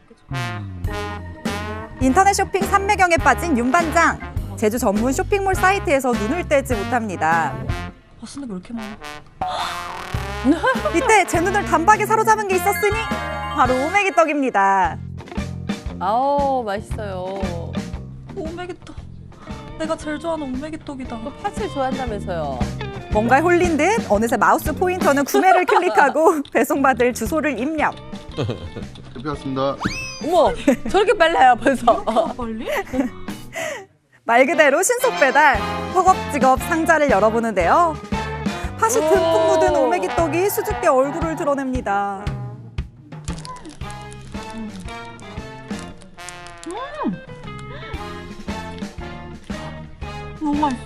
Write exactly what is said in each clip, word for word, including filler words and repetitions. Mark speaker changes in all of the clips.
Speaker 1: 인터넷 쇼핑 삼매경에 빠진 윤 반장. 제주 전문 쇼핑몰 사이트에서 눈을 떼지 못합니다.
Speaker 2: 아, 쓰는 게 왜 이렇게 많아?
Speaker 1: 이때 제 눈을 단박에 사로잡은 게 있었으니 바로 오메기떡입니다.
Speaker 3: 아우, 맛있어요.
Speaker 2: 오메기떡. 내가 제일 좋아하는 오메기떡이다.
Speaker 3: 또 팥을 좋아한다면서요.
Speaker 1: 뭔가에 홀린 듯 어느새 마우스 포인터는 구매를 클릭하고 배송받을 주소를 입력.
Speaker 4: 대표였습니다.
Speaker 3: 어머, 저렇게 빨라요, 벌써.
Speaker 2: 빨리?
Speaker 1: 말 그대로 신속 배달. 허겁지겁 상자를 열어보는데요. 팥이 듬뿍 묻은 오메기떡이 수줍게 얼굴을 드러냅니다.
Speaker 2: 너무 맛있어.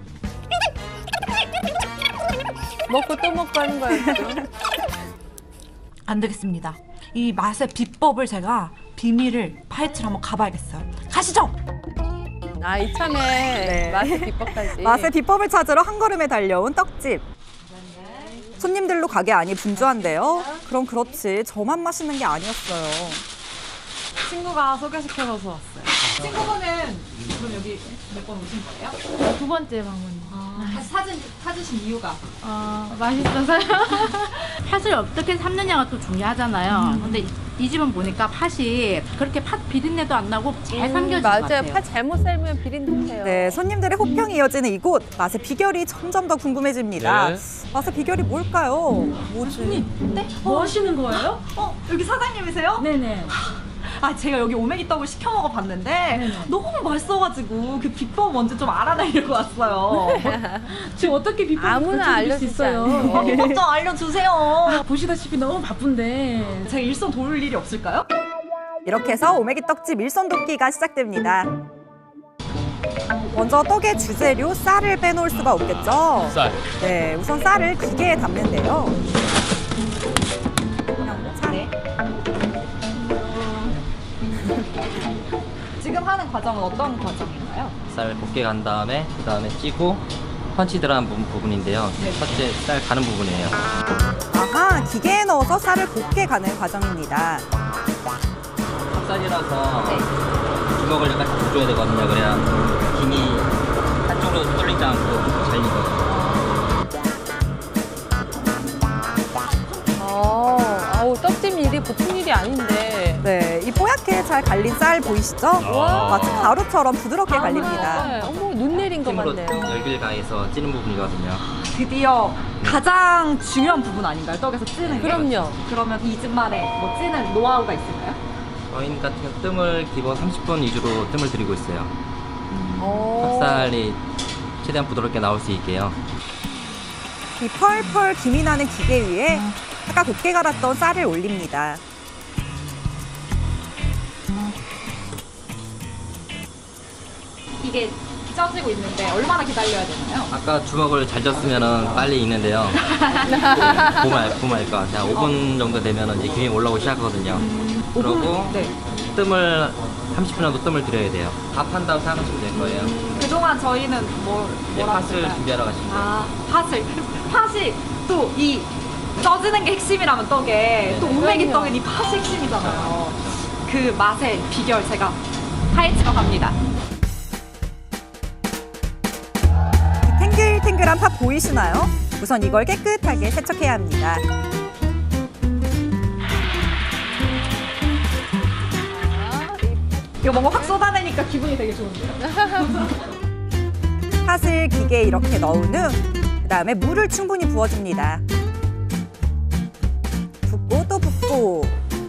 Speaker 3: 먹고 또 먹고 하는 거였죠.
Speaker 2: 안 되겠습니다. 이 맛의 비법을 제가 비밀을 파헤치러 한번 가봐야겠어요. 가시죠!
Speaker 3: 아, 이참에
Speaker 1: 네.
Speaker 3: 맛의 비법까지.
Speaker 1: 맛의 비법을 찾으러 한 걸음에 달려온 떡집. 손님들로 가게 안이 분주한데요. 그럼 그렇지 저만 맛있는 게 아니었어요.
Speaker 2: 친구가 소개시켜줘서 왔어요. 친구분은 그럼 여기 몇 번 오신 거예요?
Speaker 5: 두 번째 방문.
Speaker 2: 아, 다시 사진, 찾으신 이유가?
Speaker 5: 어, 맛있어서요. 팥을 어떻게 삶느냐가 또 중요하잖아요.
Speaker 3: 음.
Speaker 5: 근데 이, 이 집은 보니까 팥이 그렇게 팥 비린내도 안 나고 잘 삶겨진 것
Speaker 3: 맞아요.
Speaker 5: 같아요.
Speaker 3: 팥 잘못 삶으면 비린내요.
Speaker 1: 네, 손님들의 호평이 이어지는 이곳. 맛의 비결이 점점 더 궁금해집니다.
Speaker 6: 네.
Speaker 1: 맛의 비결이 뭘까요? 뭐지?
Speaker 2: 네? 뭐 하시는 거예요? 어, 여기 사장님이세요?
Speaker 5: 네네.
Speaker 2: 아, 제가 여기 오메기떡을 시켜 먹어봤는데
Speaker 5: 네네.
Speaker 2: 너무 맛있어가지고 그 비법 먼저 좀 알아내려고 왔어요.
Speaker 5: 지금 어떻게 비법을
Speaker 3: 아무나
Speaker 5: 가르쳐드릴 수
Speaker 3: 알려주지
Speaker 5: 있어요?
Speaker 3: 않아요.
Speaker 2: 비법 좀 알려주세요.
Speaker 5: 보시다시피 너무 바쁜데.
Speaker 2: 제가 일선 도울 일이 없을까요?
Speaker 1: 이렇게 해서 오메기떡집 일선 돕기가 시작됩니다. 먼저 떡의 주재료 쌀을 빼놓을 수가 없겠죠.
Speaker 6: 쌀.
Speaker 1: 네, 우선 쌀을 기계에 담는데요. 그냥 쌀.
Speaker 2: 네. 지금 하는 과정은 어떤 과정인가요?
Speaker 7: 쌀 곱게 간 다음에 그 다음에 찌고 펀치 들어간 부- 부분인데요. 첫째 쌀 가는 부분이에요.
Speaker 1: 아하, 기계에 넣어서 쌀을 곱게 가는 과정입니다.
Speaker 7: 찹쌀이라서 주먹을 약간 줘야 되거든요. 그래야 김이 한쪽으로 쏠리지 않고 잘 익어요.
Speaker 3: 어, 아우, 떡집 일이 보통 일이 아닌데.
Speaker 1: 네, 이 뽀얗게 잘 갈린 쌀 보이시죠? 마치 가루처럼 부드럽게 갈립니다.
Speaker 3: 네, 어머, 눈 내린 것
Speaker 7: 힘으로
Speaker 3: 같네요.
Speaker 7: 열기를 가해서 찌는 부분이거든요.
Speaker 2: 드디어 가장 중요한 부분 아닌가요? 떡에서 찌는 게?
Speaker 3: 그럼요.
Speaker 2: 그러면 이 집만의 뭐 찌는 노하우가 있을까요?
Speaker 7: 저희 같은 경우 뜸을 기본 삼십 분 위주로 뜸을 들이고 있어요.
Speaker 3: 어.
Speaker 7: 찹쌀이 최대한 부드럽게 나올 수 있게요.
Speaker 1: 이 펄펄 김이 나는 기계 위에 아까 곱게 갈았던 쌀을 올립니다.
Speaker 2: 이게 쪄지고 있는데 얼마나 기다려야 되나요?
Speaker 7: 아까 주먹을 잘 졌으면 빨리 익는데요. 보말, 보말까. 한 오 분 정도 되면 이제 김이 올라오기 시작하거든요. 그러고
Speaker 2: 네.
Speaker 7: 뜸을 삼십 분 정도 뜸을 들여야 돼요. 밥 한다고 생각하시면 될 거예요.
Speaker 2: 그동안 저희는 뭘,
Speaker 7: 이제
Speaker 2: 뭐라
Speaker 7: 팥을
Speaker 2: 했을까요?
Speaker 7: 준비하러 가시면 돼요.
Speaker 2: 아, 팥을. 팥이 또 이 쪄지는 게 핵심이라면 떡에 또 오메기 떡은 이 팥이 핵심이잖아요. 그 맛의 비결 제가 파헤치러 갑니다.
Speaker 1: 탱글탱글한 팥 보이시나요? 우선 이걸 깨끗하게 세척해야 합니다.
Speaker 2: 이거 뭔가 확 쏟아내니까 기분이 되게 좋은데요?
Speaker 1: 팥을 기계에 이렇게 넣은 후 그다음에 물을 충분히 부어줍니다. 붓고 또 붓고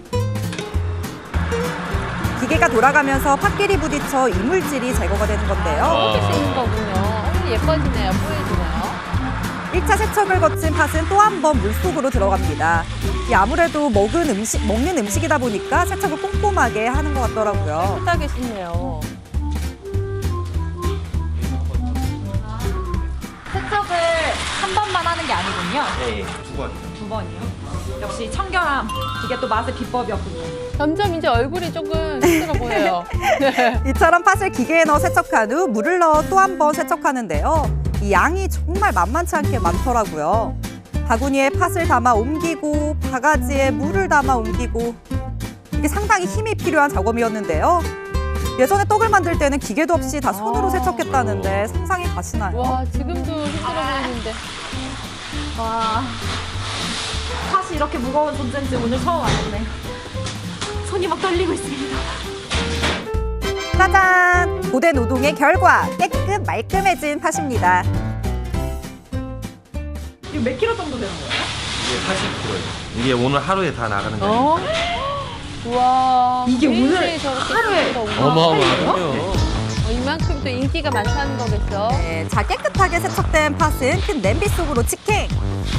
Speaker 1: 기계가 돌아가면서 팥끼리 부딪혀 이물질이 제거가 되는 건데요.
Speaker 3: 이렇게 쓰는 거군요. 어머, 예뻐지네요. 뽀얘지네요.
Speaker 1: 일 차 세척을 거친 팥은 또 한 번 물속으로 들어갑니다. 이 아무래도 먹은 음식, 먹는 음식이다 보니까 세척을 꼼꼼하게 하는 것 같더라고요.
Speaker 3: 풋하게 씻네요.
Speaker 2: 세척을 한 번만 하는 게 아니군요.
Speaker 7: 네, 두 번.
Speaker 2: 두 번이요. 역시 청결함. 이게 또 맛의 비법이었군요.
Speaker 3: 점점 이제 얼굴이 조금 힘들어 보여요.
Speaker 1: 이처럼 팥을 기계에 넣어 세척한 후 물을 넣어 또 한 번 세척하는데요. 이 양이 정말 만만치 않게 많더라고요. 바구니에 팥을 담아 옮기고 바가지에 물을 담아 옮기고 이게 상당히 힘이 필요한 작업이었는데요. 예전에 떡을 만들 때는 기계도 없이 다 손으로
Speaker 3: 아.
Speaker 1: 세척했다는데 상상이 가시나요?
Speaker 3: 와, 지금도 힘들어 보이는데.
Speaker 2: 와, 팥이 이렇게 무거운 존재인지 오늘 처음 알았네요. 손이 막 떨리고 있습니다.
Speaker 1: 짜잔! 고된 노동의 결과 깨끗 말끔해진 팥입니다.
Speaker 2: 이거 몇 킬로 정도 되는 거예요?
Speaker 6: 이게 팔십 킬로예요. 이게 오늘 하루에 다 나가는 거예요.
Speaker 3: 어? 우와.
Speaker 2: 이게 오늘
Speaker 3: 일주일에 저렇게
Speaker 2: 하루에
Speaker 3: 쓰는 거구나.
Speaker 6: 어마어마하군요.
Speaker 3: 어, 이만큼 또 인기가 많다는 거겠어.
Speaker 1: 네, 자 깨끗하게 세척된 팥은 큰 냄비 속으로 직행.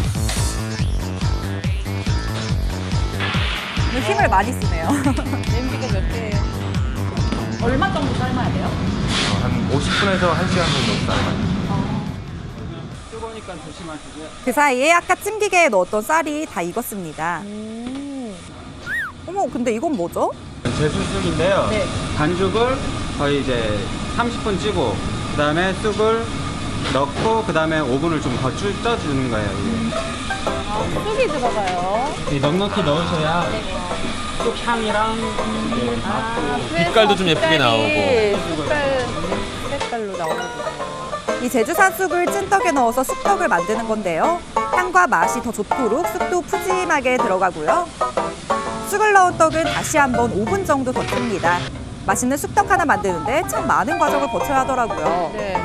Speaker 1: 오늘 힘을 많이 쓰네요.
Speaker 3: 냄비가 몇 개예요?
Speaker 2: 얼마 정도 삶아야 돼요?
Speaker 6: 어, 한 오십 분에서 한 시간 정도 삶아요.
Speaker 1: 그 사이에 아까 찜기계에 넣었던 쌀이 다 익었습니다.
Speaker 3: 음.
Speaker 1: 어머, 근데 이건 뭐죠?
Speaker 8: 제수쑥인데요.
Speaker 2: 네.
Speaker 8: 반죽을 거의 이제 삼십 분 찌고 그다음에 쑥을 넣고 그다음에 오븐을 좀 더 쪄주는 거예요. 이게.
Speaker 3: 아, 쑥이 들어가요.
Speaker 8: 이 넉넉히 넣으셔야 쑥 향이랑 이제
Speaker 3: 아,
Speaker 8: 맛도
Speaker 3: 그래서
Speaker 6: 빛깔도 좀 예쁘게
Speaker 3: 색깔이
Speaker 6: 나오고.
Speaker 3: 색깔, 색깔로 나오거든요.
Speaker 1: 이 제주산 쑥을 찐떡에 넣어서 쑥떡을 만드는 건데요. 향과 맛이 더 좋도록 쑥도 푸짐하게 들어가고요. 쑥을 넣은 떡은 다시 한번 오 분 정도 더 찝니다. 맛있는 쑥떡 하나 만드는데 참 많은 과정을 거쳐야 하더라고요.
Speaker 3: 네.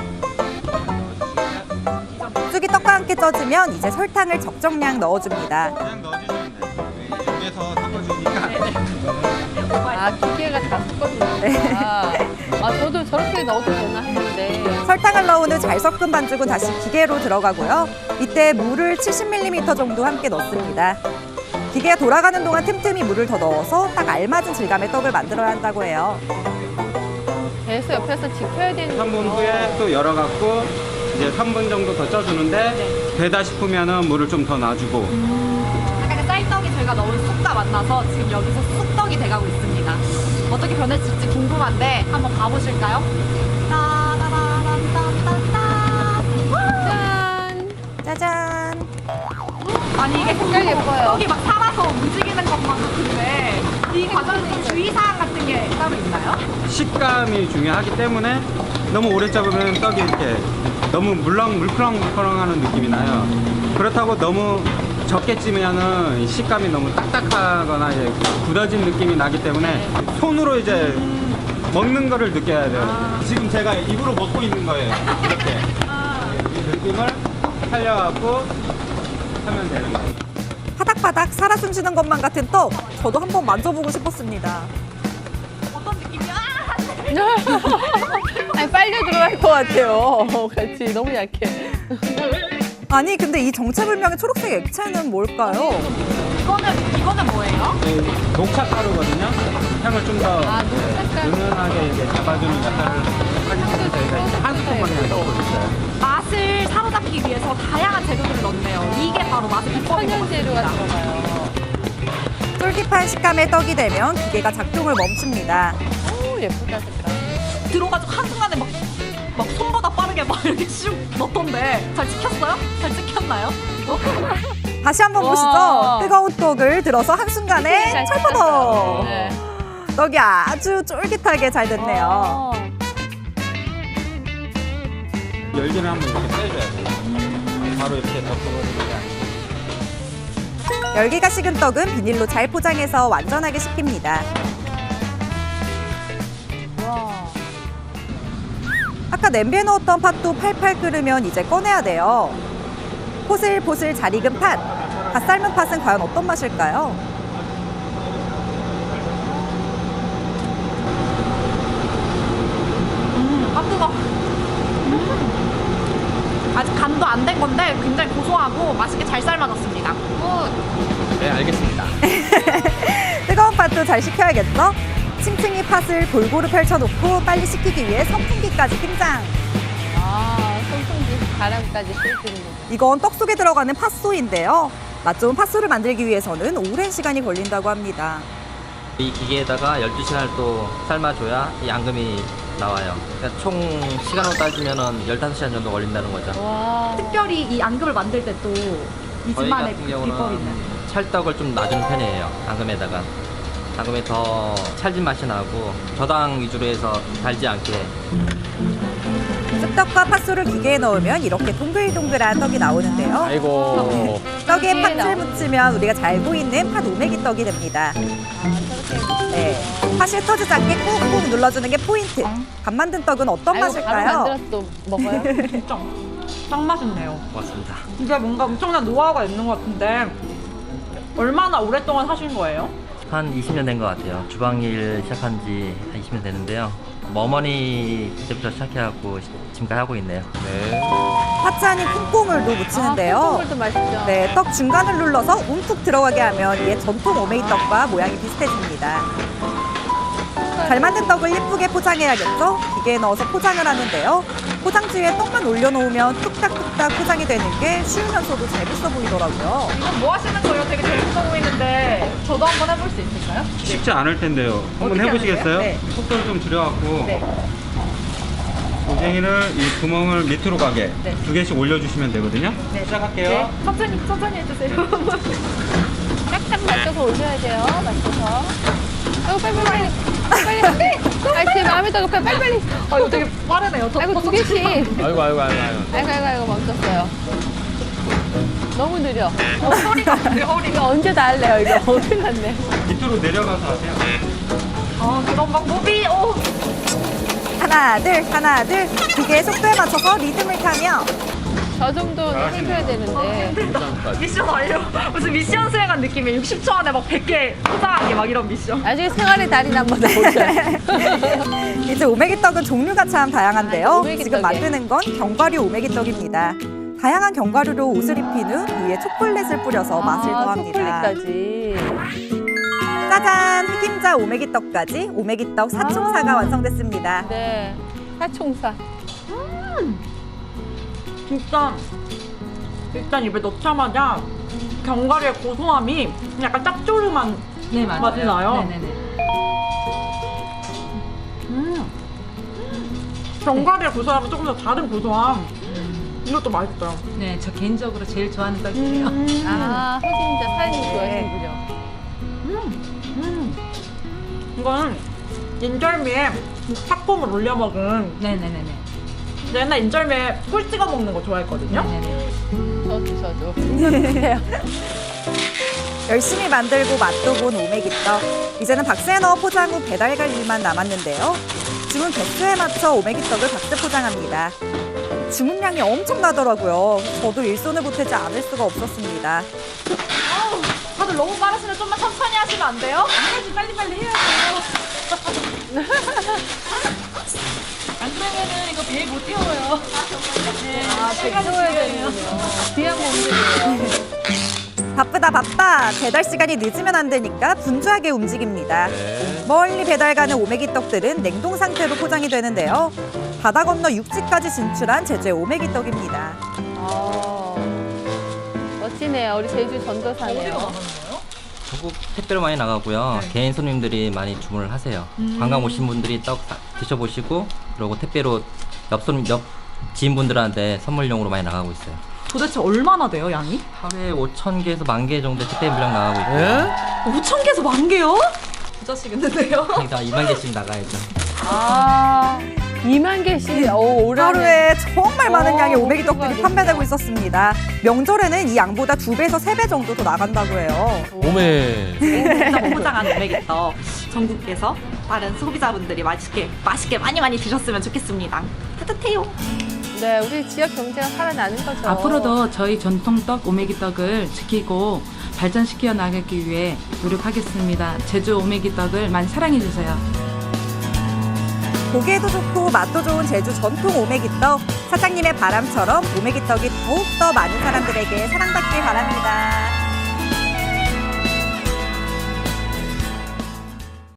Speaker 1: 쑥이 떡과 함께 쪄지면 이제 설탕을 적정량 넣어줍니다.
Speaker 8: 그냥 넣어주시면 돼요. 여기에서 섞어주니까
Speaker 3: 아, 기계가 다 섞어주는구나. 아, 저도 저렇게 넣어도 되나 했는데.
Speaker 1: 설탕을 넣은 후 잘 섞은 반죽은 다시 기계로 들어가고요. 이때 물을 칠십 밀리리터 정도 함께 넣습니다. 기계가 돌아가는 동안 틈틈이 물을 더 넣어서 딱 알맞은 질감의 떡을 만들어야 한다고 해요.
Speaker 3: 계속 옆에서 지켜야 되는
Speaker 8: 삼 분 후에 또 열어갖고 이제 삼 분 정도 더 쪄주는데 되다 싶으면은 물을 좀 더 놔주고
Speaker 2: 아까 그 쌀떡이 저희가 넣은 쑥과 만나서 지금 여기서 쑥떡이 돼가고 있습니다. 어떻게 변해질지 궁금한데 한번 가보실까요?
Speaker 3: 짠!
Speaker 1: 짜잔!
Speaker 2: 아니 이게
Speaker 3: 색깔 예뻐요.
Speaker 2: 떡이 막 살아서 움직이는 것만 같은데 이 과정에서 주의사항 같은 게 따로 있나요?
Speaker 8: 식감이 중요하기 때문에 너무 오래 잡으면 떡이 이렇게 너무 물렁 물컹 물컹하는 느낌이 나요. 그렇다고 너무 적게 찌면은 이 식감이 너무 딱딱하거나 이제 굳어진 느낌이 나기 때문에 손으로 이제 먹는 거를 느껴야 돼요. 지금 제가 입으로 먹고 있는 거예요. 이렇게 이 느낌을 살려갖고 하면 되는 거예요.
Speaker 1: 바닥바닥 살아 숨쉬는 것만 같은 떡. 저도 한번 만져보고 싶었습니다.
Speaker 2: 어떤 느낌이야?
Speaker 3: 아니, 빨려 들어갈 것 같아요. 같이 너무 약해.
Speaker 1: 아니 근데 이 정체불명의 초록색 액체는 뭘까요?
Speaker 2: 이거는 이거는 뭐예요?
Speaker 8: 녹차가루거든요. 향을 좀 더
Speaker 3: 아, 녹차가루.
Speaker 8: 은은하게 이렇게 잡아주는 역할을 하기 때문에 저희가 이제 한 스푼만 그냥 넣고 있어요.
Speaker 2: 맛을 사로잡기 위해서 다양한 재료들을 넣네요. 이게 바로 맛의 비법인 것
Speaker 3: 천연 재료가
Speaker 2: 같습니다.
Speaker 3: 들어가요.
Speaker 1: 쫄깃한 식감의 떡이 되면 기계가 작동을 멈춥니다.
Speaker 3: 오, 예쁘다, 색깔.
Speaker 2: 들어가지고 한순간에 막, 막 손보다 빠르게 막 이렇게 슉 넣던데 잘 찍혔어요? 잘 찍혔나요? 이거?
Speaker 1: 다시 한번
Speaker 3: 와.
Speaker 1: 보시죠. 뜨거운 떡을 들어서 한순간에
Speaker 3: 잘
Speaker 1: 철퍼덕.
Speaker 3: 네.
Speaker 1: 떡이 아주 쫄깃하게 잘 됐네요.
Speaker 3: 어.
Speaker 8: 열기를 한번 이렇게 빼줘야 돼요. 바로 이렇게 덮어버리는 게 아니고.
Speaker 1: 열기가 식은 떡은 비닐로 잘 포장해서 완전하게 식힙니다.
Speaker 3: 와.
Speaker 1: 아까 냄비에 넣었던 팥도 팔팔 끓으면 이제 꺼내야 돼요. 포슬포슬 잘 익은 팥. 갓 삶은 팥은 과연 어떤 맛일까요?
Speaker 2: 아 뜨거. 음. 아직 간도 안 된 건데 굉장히 고소하고 맛있게 잘 삶아졌습니다. 굿.
Speaker 6: 네, 알겠습니다.
Speaker 1: 뜨거운 팥도 잘 식혀야겠죠? 층층이 팥을 골고루 펼쳐놓고 빨리 식히기 위해 선풍기까지 등장.
Speaker 3: 아, 선풍기 바람까지 쐬주는 거.
Speaker 1: 이건 떡 속에 들어가는 팥소인데요. 맛 좋은 팥소를 만들기 위해서는 오랜 시간이 걸린다고 합니다.
Speaker 7: 이 기계에다가 열두 시간을 또 삶아줘야 이 앙금이 나와요. 그러니까 총 시간으로 따지면 열다섯 시간 정도 걸린다는 거죠.
Speaker 3: 와.
Speaker 2: 특별히 이 앙금을 만들 때 또 이
Speaker 7: 저희
Speaker 2: 집만의
Speaker 7: 같은
Speaker 2: 비법이 있나요?
Speaker 7: 경우는 찰떡을 좀 놔주는 편이에요. 앙금에다가. 담그면 더 찰진 맛이 나고 저당 위주로 해서 달지 않게.
Speaker 1: 쑥떡과 팥소를 기계에 넣으면 이렇게 동글동글한 떡이 나오는데요.
Speaker 9: 아이고.
Speaker 1: 떡에
Speaker 3: 기계에
Speaker 1: 팥을
Speaker 3: 넣어.
Speaker 1: 묻히면 우리가 잘 보이는 팥 오메기 떡이 됩니다. 네, 팥을 터지지 않게 꾹꾹 눌러주는 게 포인트. 밥 만든 떡은 어떤
Speaker 3: 아이고, 바로
Speaker 1: 맛일까요?
Speaker 3: 만들어서 또 먹어요?
Speaker 2: 진짜 딱 맛있네요.
Speaker 7: 고맙습니다.
Speaker 2: 이게 뭔가 엄청난 노하우가 있는 것 같은데 얼마나 오랫동안 하신 거예요?
Speaker 7: 한 이십 년 된 것 같아요. 주방일 시작한 지 한 이십 년 되는데요. 뭐 어머니 그때부터 시작해갖고 지금까지 하고 있네요.
Speaker 9: 네.
Speaker 1: 파츠 안에 콩고물도 묻히는데요.
Speaker 3: 아, 콩고물도 맛있죠.
Speaker 1: 네, 떡 중간을 눌러서 움푹 들어가게 하면 이에 전통 오메기 떡과 모양이 비슷해집니다. 잘 만든 떡을 예쁘게 포장해야겠죠? 기계에 넣어서 포장을 하는데요. 포장지에 떡만 올려놓으면 뚝딱뚝딱 포장이 되는 게 쉬우면서도 재밌어 보이더라고요.
Speaker 2: 이건 뭐 하시는 거예요? 되게 재밌어 보이는데 저도 한번 해볼 수 있을까요?
Speaker 8: 쉽지 않을 텐데요. 한번
Speaker 2: 어떻게
Speaker 8: 해보시겠어요?
Speaker 2: 하는데요? 네.
Speaker 8: 속도를 좀 줄여갖고
Speaker 2: 네.
Speaker 8: 고쟁이를 이 구멍을 밑으로 가게
Speaker 2: 네.
Speaker 8: 두 개씩 올려주시면 되거든요.
Speaker 2: 네.
Speaker 8: 시작할게요.
Speaker 2: 네. 천천히 천천히 해주세요.
Speaker 3: 짝짝 맞춰서 올려야 돼요. 맞춰서. 아이고, 빨리, 빨리, 빨리. 빨리. 아이, 제 마음에 더 급해. 빨리, 빨리.
Speaker 2: 아 이거 되게 빠르네요. 더,
Speaker 3: 아이고,
Speaker 2: 더
Speaker 3: 두 개씩.
Speaker 9: 아이고, 아이고, 아이고, 아이고.
Speaker 3: 아이고, 아이고, 아이고, 멈췄어요. 너무 느려.
Speaker 2: 어, 허리가 허리가.
Speaker 3: 이거 언제 다 할래요, 이거? 어디 갔네.
Speaker 8: 밑으로 내려가서 하세요.
Speaker 2: 아 그런 방법이 오.
Speaker 1: 하나, 둘, 하나, 둘. 기계의 속도에 맞춰서 리듬을 타며
Speaker 3: 저 정도는 해줘야 되는데.
Speaker 2: 미션 완료. 무슨 미션 수행한 느낌이에요. 육십 초 안에 막 백 개 포장하기 막 이런 미션.
Speaker 3: 나중에 생활의 달인 한번 해보자.
Speaker 1: 이제 오메기 떡은 종류가 참 다양한데요.
Speaker 3: 아, 오메기
Speaker 1: 지금
Speaker 3: 떡이에요.
Speaker 1: 만드는 건 견과류 오메기 떡입니다. 다양한 견과류로 옷을 입힌 후 위에 초콜릿을 뿌려서 맛을
Speaker 3: 아,
Speaker 1: 더합니다.
Speaker 3: 초콜릿까지.
Speaker 1: 짜잔! 흑임자 오메기 떡까지 오메기 떡 사총사가 완성됐습니다.
Speaker 3: 네. 사총사.
Speaker 2: 진짜 일단 입에 넣자마자 견과류의 고소함이 약간 짭조름한
Speaker 5: 네, 맞아요.
Speaker 2: 맛이 나요.
Speaker 5: 네네네.
Speaker 2: 음. 견과류의 고소함은 조금 더 다른 고소함. 이것도 맛있어요.
Speaker 5: 네, 저 개인적으로 제일 좋아하는 떡이에요.
Speaker 3: 아, 흑임자 사장님 좋아하시는군요.
Speaker 2: 음. 이거는 인절미에 팥콩을 올려 먹은
Speaker 5: 네네네네.
Speaker 2: 옛날 인절미에 꿀 찍어 먹는 거 좋아했거든요.
Speaker 5: 네네네.
Speaker 3: 저도, 저도. 이거 드세요.
Speaker 1: 열심히 만들고 맛도 본 오메기 떡. 이제는 박스에 넣어 포장 후 배달 갈 일만 남았는데요. 주문 개수에 맞춰 오메기 떡을 박스 포장합니다. 주문량이 엄청나더라고요. 저도 일손을 보태지 않을 수가 없었습니다.
Speaker 2: 다들 너무 빠르시면 좀만 천천히 하시면 안 돼요?
Speaker 5: 해야지, 빨리빨리 해야죠. 안 그러면은 이거 배에 못 태워요.
Speaker 3: 아, 배 태워야 되는군요. 뒤에 한번 움직여요.
Speaker 1: 바쁘다 바빠. 배달 시간이 늦으면 안 되니까 분주하게 움직입니다.
Speaker 9: 네.
Speaker 1: 멀리 배달 가는 오메기 떡들은 냉동 상태로 포장이 되는데요. 바다 건너 육지까지 진출한 제주의 오메기 떡입니다.
Speaker 3: 아, 멋지네요. 우리 제주 전도사네요.
Speaker 7: 전국 택배로 많이 나가고요. 개인 손님들이 많이 주문을 하세요. 관광 오신 분들이 떡 다 드셔보시고 그리고 택배로 옆 손님, 옆 지인분들한테 선물용으로 많이 나가고 있어요.
Speaker 2: 도대체 얼마나 돼요, 양이?
Speaker 7: 하루에 오천 개에서 만 개 정도 택배 물량 나가고 있고요.
Speaker 9: 예?
Speaker 2: 오천 개에서 만 개요? 부자시겠는데요?
Speaker 7: 그러니까 이만 개씩 나가야죠.
Speaker 3: 아, 이만 개씩. 오, 올해.
Speaker 1: 하루에 정말 많은
Speaker 3: 오,
Speaker 1: 양의 오메기 떡들이
Speaker 3: 엄청
Speaker 1: 판매되고
Speaker 3: 많겠다.
Speaker 1: 있었습니다. 명절에는 이 양보다 두 배에서 세 배 정도 더 나간다고 해요.
Speaker 9: 오메.
Speaker 2: 진짜 포장한 오메기떡 전국에서 다른 소비자분들이 맛있게 맛있게 많이 많이 드셨으면 좋겠습니다. 따뜻해요.
Speaker 3: 네, 우리 지역 경제가 살아나는 거죠.
Speaker 5: 앞으로도 저희 전통떡 오메기떡을 지키고 발전시켜 나가기 위해 노력하겠습니다. 제주 오메기떡을 많이 사랑해주세요.
Speaker 1: 보기에도 좋고 맛도 좋은 제주 전통 오메기 떡. 사장님의 바람처럼 오메기 떡이 더욱더 많은 사람들에게 사랑받길 바랍니다.